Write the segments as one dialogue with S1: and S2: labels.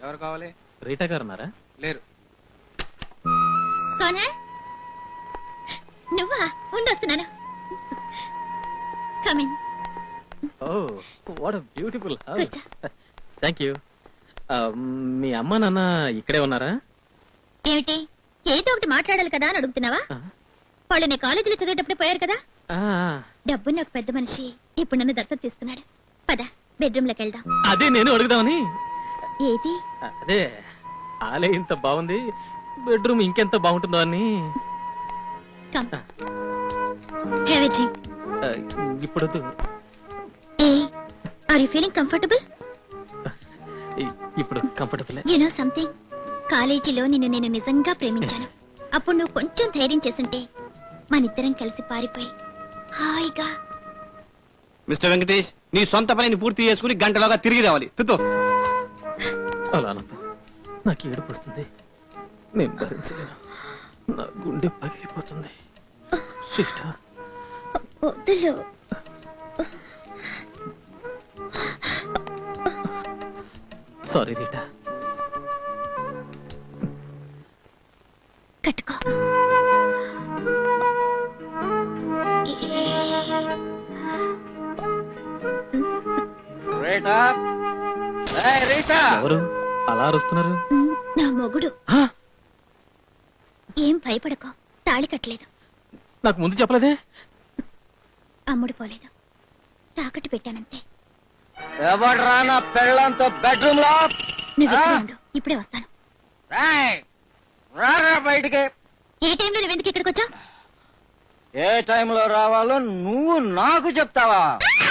S1: ఎవరు కావాలి?
S2: రీటా గారు ఉన్నారా?
S1: లేరు.
S3: నువ్వా? ఉండొస్తున్నాను. Coming.
S2: Oh what a beautiful house. Thank you. మీ అమ్మ నాన్న ఇక్కడే ఉన్నారా?
S3: ఏమిటి ఏదో ఒకటి మాట్లాడాలి కదా అని అడుగుతున్నావా? వాళ్ళు నీ కాలేజీలో చదివేటప్పుడు పోయారు కదా. డబ్బున్న ఒక పెద్ద మనిషి ఇప్పుడు నన్ను దత్తత తీసుకున్నాడు. పద బెడ్రూమ్ లోకి వెళ్దాం.
S2: అదే నేను అడుగుదామని.
S3: ఏది?
S2: అదే ఆలే ఇంత బాగుంది, బెడ్రూమ్ ఇంకెంత బాగుంటుందో అని. ఇప్పుడు ఇప్పుడు కంఫర్టబుల్.
S3: యు నో సంథింగ్, కాలేజీలో నేను నిజంగా ప్రేమించాను. అప్పుడు నువ్వు కొంచెం ధైర్యం చేస్తుంటే మనిద్దరం కలిసి పారిపోయి హాయిగా.
S1: మిస్టర్ వెంకటేష్, నీ సొంత పనిని పూర్తి చేసుకుని గంటలోగా తిరిగి రావాలి.
S2: అలా అనొద్దు, నాకు ఏడుపు వస్తుంది. నేను భరించలేను, నా గుండె పగిలిపోతుంది.
S3: వద్దులు.
S2: Sorry Rita.
S3: కట్టుకో.
S2: ఎవరు అలా అరుస్తున్నారు?
S3: నా మొగుడు. ఏం భయపడకో, తాళి కట్టలేదు.
S2: నాకు ముందు చెప్పలేదే.
S3: అమ్ముడు పోలేదు, తాకట్టు పెట్టానంతే.
S1: ఎవడ్రా నా పెళ్ళంతో బెడ్రూమ్ లో?
S3: నువ్వు ఉండు, ఇప్పుడే వస్తాను.
S1: బయటికి.
S3: ఏ టైంలో నువ్వెందుకు ఇక్కడికి వచ్చావు?
S1: ఏ టైంలో రావాలో నువ్వు నాకు చెప్తావా?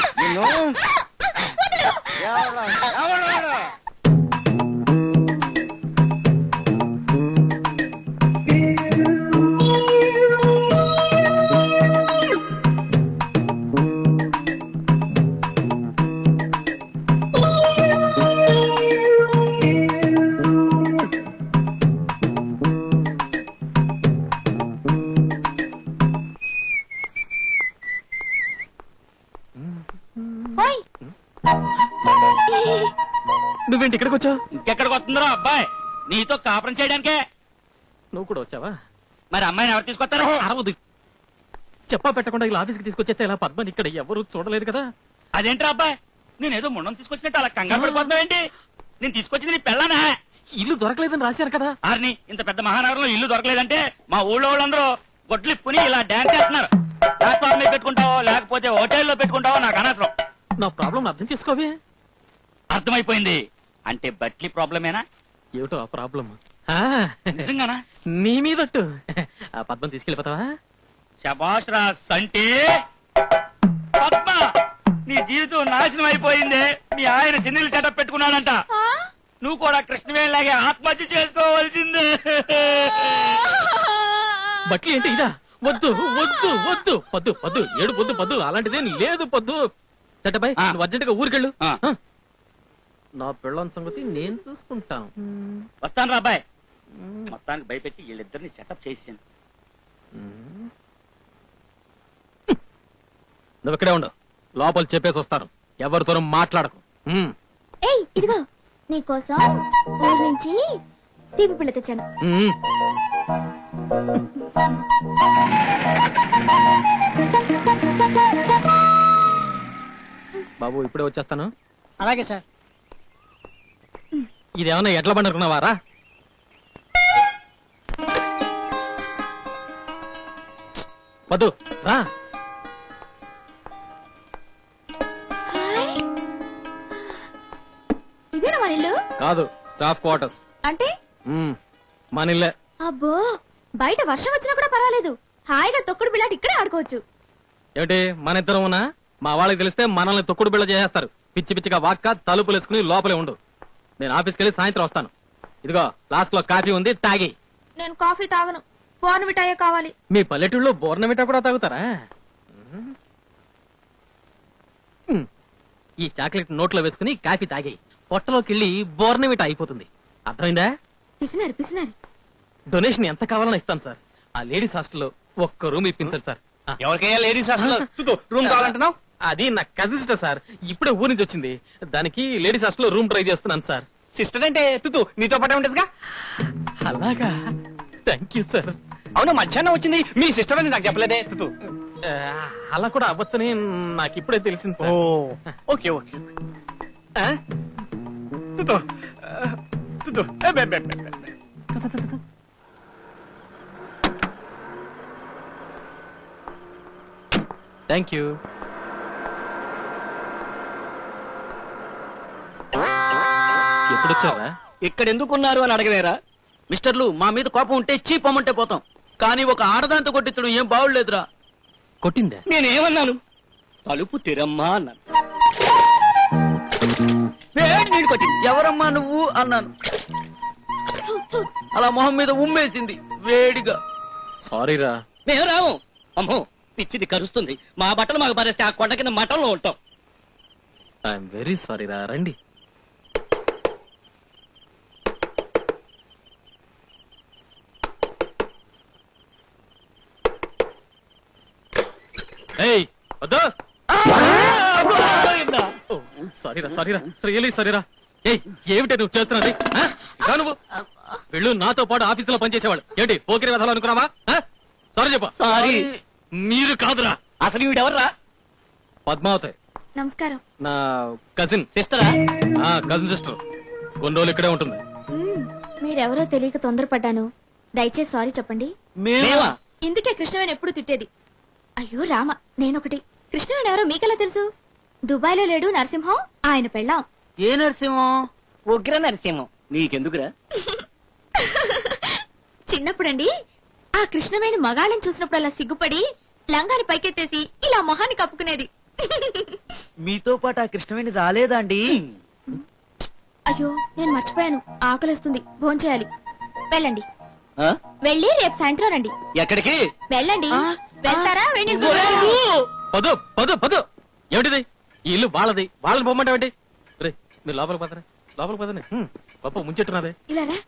S2: నువ్వేంటి ఇక్కడికి వచ్చావు?
S4: ఇంకెక్కడికి వస్తుందో అబ్బాయి, నీతో కాపురం చేయడానికే.
S2: నువ్వు కూడా వచ్చావా?
S4: మరి అమ్మాయిని ఎవరు తీసుకొస్తారు?
S2: అరవదు. చెప్పా పెట్టకుండా ఇలా ఆఫీస్కి తీసుకొచ్చేస్తే ఇలా పద్మని ఇక్కడ ఎవరు చూడలేదు కదా.
S4: అదేంట్రా అబ్బాయి, నేనేదో ముండం తీసుకొచ్చినట్టు అలా కంగారు పడిపోతావేంటి? నేను తీసుకొచ్చింది నీ పెళ్ళానా?
S2: ఇల్లు దొరకలేదని రాశారు కదా.
S4: ఆర్ని, ఇంత పెద్ద మహానగరంలో ఇల్లు దొరకలేదంటే మా ఊళ్ళో వాళ్ళందరూ గొడ్లిప్పుని ఇలా డాన్స్ చేస్తున్నారు. ప్లాట్ఫామ్ మీద పెట్టుకుంటావో లేకపోతే హోటల్లో పెట్టుకుంటావో నాకు అనవసరం.
S2: నా ప్రాబ్లం అర్థం చేసుకోవే.
S4: అర్థమైపోయింది. అంటే బట్లీ ప్రాబ్లమేనా?
S2: ఏమిటో ఆ ప్రాబ్లం.
S4: నిజంగానా?
S2: నీ మీదట్టు. ఆ పద్మం తీసుకెళ్ళిపోతావా?
S4: శభాష్ రా సంటే. పద్మ, నీ జీవితం నాశనం అయిపోయిందే. మీ ఆయన సిన్నీలు సెటప్ పెట్టుకున్నాడంట. నువ్వు కూడా కృష్ణవేణిలాగే ఆత్మహత్య చేసుకోవాల్సిందే.
S2: బట్లీ అంటే ఇదా? వద్దు వద్దు వద్దు, పొద్దు పొద్దు ఏడు పొద్దు పొద్దు అలాంటిదేం లేదు. పొద్దు చట్టబాయ్, నువ్వు అర్జెంట్ గా ఊరికెళ్ళు. నా పెళ్ళం సంగతి నేను చూసుకుంటాను.
S4: వస్తాను రా అబ్బాయి. మొత్తానికి భయపెట్టి వీళ్ళిద్దరిని సెటప్ చేసాను.
S2: నువ్వు ఇక్కడే ఉండు, లోపల చెప్పేసి వస్తాను. ఎవరితోనూ మాట్లాడకు.
S3: ఏయ్, ఇదిగో నీకోసం ఊరి నుంచి తీపి పిల్ల తెచ్చాను.
S2: బాబు ఇప్పుడే వచ్చేస్తాను.
S4: అలాగే సార్.
S2: ఇదేమన్నా ఎట్లా పండుకున్నావారా? వద్దు రా.
S3: ఇదేనా మన ఇల్లు?
S2: కాదు, స్టాఫ్ క్వార్టర్స్.
S3: అంటే
S2: మన ఇల్లే.
S3: అబ్బో, బయట వర్షం వచ్చినా కూడా పర్వాలేదు, హాయిగా తొక్కుడు బిళ్ళాటి ఇక్కడే ఆడుకోవచ్చు.
S2: ఏమిటి మన ఇద్దరం ఉన్నా మా వాళ్ళకి తెలిస్తే మనల్ని తొక్కుడు బిళ్ళ చేసేస్తారు. పిచ్చి పిచ్చిగా వాక్క తలుపులు వేసుకుని లోపలే ఉండు. నేను ఆఫీస్కి వెళ్ళి సాయంత్రం వస్తాను. ఇదిగో ఫ్లాస్క్ లో కాఫీ ఉంది, తాగి.
S3: నేను కాఫీ తాగను, బోర్నవిటాయే కావాలి.
S2: మీ పల్లెటూళ్ళలో బోర్నవిటా కూడా తాగుతారా? ఈ చాక్లెట్ నోట్లో వేసుకుని కాఫీ తాగి పొట్టలోకి వెళ్ళి బోర్నవిటా అయిపోతుంది. అర్థమైందా?
S3: పిసినారు పిసినారు.
S2: డొనేషన్ ఎంత కావాలని ఇస్తాను సార్. ఆ లేడీస్ హాస్టల్లో ఒక్క రూమ్ ఇప్పించండి సార్.
S4: ఎవరికైనా లేడీస్ హాస్టల్ రూమ్ కావాలంటున్నావు?
S2: అది నా కజిన్ సిస్టర్ సార్, ఇప్పుడే ఊరి నుంచి వచ్చింది. దానికి లేడీస్ హాస్టల్లో రూమ్ ట్రై చేస్తున్నాను సార్.
S1: సిస్టర్ అంటే తుతు నీతో పాటే ఉంటుందిగా.
S2: అలాగా, థ్యాంక్ యూ సార్.
S1: అవును, మధ్యాహ్నం వచ్చింది మీ సిస్టర్ అని నాకు చెప్పలేదే తుతు.
S2: అలా కూడా అవ్వచ్చని నాకు ఇప్పుడే తెలిసింది సార్.
S1: Okay okay. తుతు తుతు
S2: థ్యాంక్ యూ. ఎప్పుడు వచ్చారా?
S1: ఇక్కడ ఎందుకున్నారు అని అడగలేరా?
S5: మిస్టర్లు, మా మీద కోపం ఉంటే చీపమ్మంటే పోతాం, కానీ ఒక ఆడదాంతో కొట్టించడం ఏం బాగులేదురా.
S2: కొట్టిందా?
S1: నేనేమన్నాను? తలుపు తెరమ్మా అన్నాను. వేడి నీళ్ళు కొట్టింది.
S5: ఎవరమ్మా నువ్వు అన్నాను, అలా మొహం మీద ఉమ్మేసింది వేడిగా.
S2: సారీరా.
S1: మేము రాము. అమ్మో, పిచ్చిది కరుస్తుంది. మా బట్టలు మాకు పారేస్తే ఆ కొండ కింద మఠంలో ఉంటాం.
S2: ఐఎమ్ వెరీ సారీ రా. రండి. ఏయ్, వద్దు. సారీరా, సారీరా, రియలీ సారీరా. ఏయ్, ఏమిటి నువ్వు చేస్తున్నది? నువ్వు వెళ్ళు, నాతో పాటు ఆఫీసులో పనిచేసేవాళ్ళు ఏంటి పోకిరి వెధాలు అనుకున్నావా? సారీ చెప్ప.
S1: సారీ.
S2: మీరు కాదురా.
S1: అసలు వీడెవర్రా?
S2: పద్మావతి,
S3: నమస్కారం.
S2: నా కజిన్.
S1: సిస్టరా?
S2: Cousin sister. కొన్ని రోజులు ఇక్కడే ఉంటుంది.
S3: మీరెవరో తెలియక తొందరపడ్డాను. దయచేసి సారీ చెప్పండి.
S1: మేమా?
S3: ఇందుకే కృష్ణవేణి ఎప్పుడు తిట్టేది. అయ్యో రామ, నేనొకటి. కృష్ణవేణి ఎవరో మీకెలా తెలుసు? దుబాయ్ లో లేడు నరసింహం, ఆయన పెళ్ళాం.
S5: ఏ నరసింహం?
S1: ఉగ్ర నరసింహం. నీకెందుకురా?
S3: చిన్నప్పుడండి ఆ కృష్ణవేణి మగాళ్ళని చూసినప్పుడు అలా సిగ్గుపడి లంగాని పైకెత్తేసి ఇలా మొహాన్ని కప్పుకునేది.
S5: మీతో పాటు ఆ కృష్ణవేణి రాలేదా అండి?
S3: అయ్యో, నేను మర్చిపోయాను. ఆకలిస్తుంది, భోంచేయాలి. వెళ్ళండి.
S1: ఆ?
S3: వెళ్ళి రేపు సాయంత్రం రండి.
S1: ఎక్కడికి?
S3: వెళ్ళండి. వెళ్తారా? వెళ్ళి
S2: పదు పదు పదు. ఏమిటిది? ఈ ఇల్లు వాళ్ళది, వాళ్ళని పొమ్మంటావేంటి? రే, మీరు లోపలికి పోతారా? లోపలికి పోతానే. పప్పు ముంచెట్టున్నదే.
S3: ఇలా రా.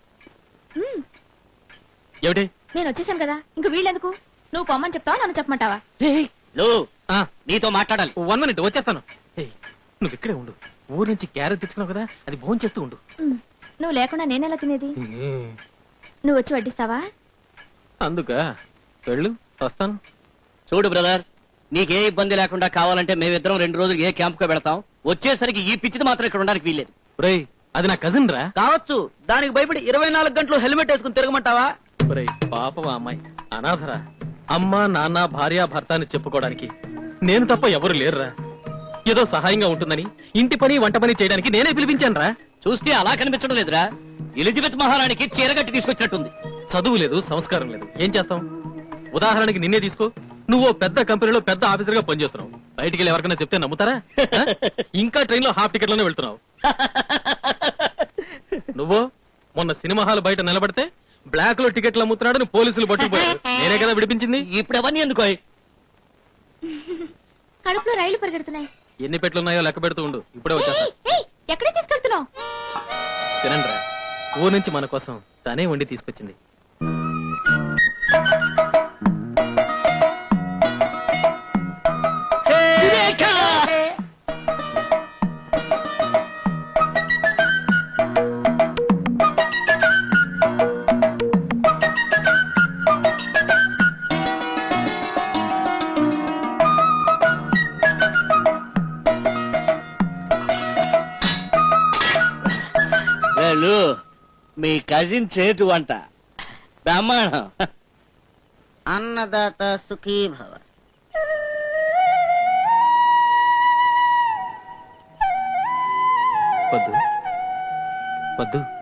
S2: ఏమిటి?
S3: నేను వచ్చేసాను కదా, ఇంక వీళ్ళెందుకు? నువ్వు పొమ్మని చెప్తావా, నన్ను చెప్పమంటావా?
S1: లో, నీతో మాట్లాడాలి.
S2: 1 minute వచ్చేస్తాను. ఏయ్, నువ్వు ఇక్కడే ఉండు. ఊరు నుంచి క్యారెట్ తెచ్చుకున్నావు కదా, అది భోజనం చేస్తూ ఉండు.
S3: నువ్వు లేకుండా నేనెలా తినేది? నువ్వు వచ్చి వడ్డిస్తావా?
S2: అందుక వెళ్ళు, వస్తాను.
S1: చూడు బ్రదర్, నీకే ఇబ్బంది లేకుండా కావాలంటే మేమిద్దరం 2 రోజులు ఏ క్యాంప్ కో పెడతాం. వచ్చేసరికి ఈ పిచ్చిది మాత్రం ఇక్కడ ఉండడానికి వీల్లేదు.
S2: రేయ్, అది నా కజిన్ రా.
S5: కావచ్చు, దానికి భయపడి 24 గంటలు హెల్మెట్ వేసుకుని తిరగమంటావా?
S2: రేయ్, పాపం ఆ అమ్మాయి అనాథరా. అమ్మ, నాన్న, భార్య, భర్త అని చెప్పుకోవడానికి నేను తప్ప ఎవరు లేరురా. ఏదో సహాయంగా ఉంటుందని ఇంటి పని వంట పని చేయడానికి నేనే పిలిపించాను రా.
S1: చూస్తే అలా కనిపించడం లేదురా. ఎలిజబెత్ మహారాణికి చీరగట్టి తీసుకొచ్చినట్టుంది.
S2: చదువు లేదు, సంస్కారం లేదు, ఏం చేస్తాం? ఉదాహరణకి నిన్నే తీసుకో. నువ్వు పెద్ద కంపెనీలో పెద్ద ఆఫీసర్ గా పనిచేస్తున్నావు. బయటికి వెళ్ళి ఎవరికైనా చెప్తే నమ్ముతారా? ఇంకా ట్రైన్ లో హాఫ్ టికెట్ లోనే వెళ్తున్నావు. నువ్వు మొన్న సినిమా హాల్ బయట నిలబడితే బ్లాక్ లో టికెట్లు అమ్ముతున్నాడని పోలీసులు పట్టుకుపోయారు. నేనే కదా విడిపించింది.
S1: ఇప్పుడు అవన్నీ ఎందుకో?
S3: కడుపులో రైళ్లు పరిగెడుతున్నాయి.
S2: ఎన్ని పెట్లున్నాయో లెక్క పెడుతూ ఉండు, ఇప్పుడే వచ్చేస్తా.
S3: ఎక్కడే తీసుకెళ్తున్నావు?
S2: తినండ్రా, ఊరు నుంచి మన కోసం తనే వండి తీసుకొచ్చింది.
S1: వెళ్ళు, మీ కజిన్ చేటు వంట బ్రహ్మాండం.
S5: అన్నదాత సుఖీ భవ.
S2: పద్దు పద్దు